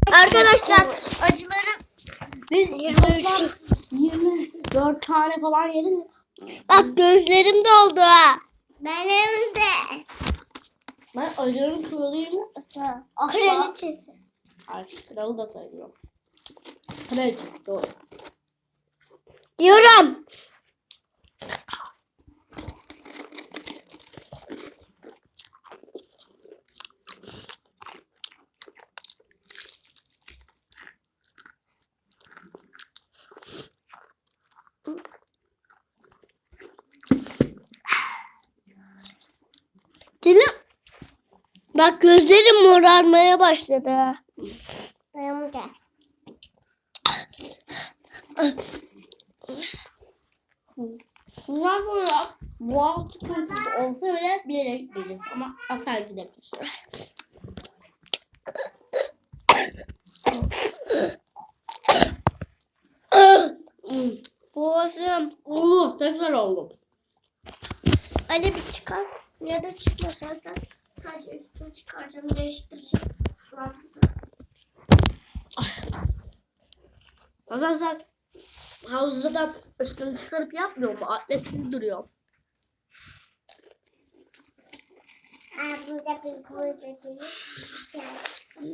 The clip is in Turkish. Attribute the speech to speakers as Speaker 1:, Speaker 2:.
Speaker 1: Arkadaşlar acılarım
Speaker 2: Biz 24 tane falan yedik.
Speaker 1: bak gözlerim doldu ha. Benim de.
Speaker 2: Ben acıların kralıyım.
Speaker 1: Kraliçesi.
Speaker 2: Ay, kralı da sayıyorum. Kraliçesi doğru.
Speaker 1: Diyorum. Dilim. Bak gözlerim morarmaya başladı. Benim de.
Speaker 2: Bundan sonra boğaz sıkıntısı olsa bile bir yere gideceğiz ama asla gidemeyiz.
Speaker 1: Boğazım.
Speaker 2: Oldu, tekrar oldu.
Speaker 1: Ali bir çıkar. Ya da çıkma zaten. Sadece üstünü çıkaracağım, değiştireceğim.
Speaker 2: Bazen sen havuzda da üstünü çıkarıp yapmıyor mu? Atletsiz duruyor.
Speaker 1: Burada bir koyacak.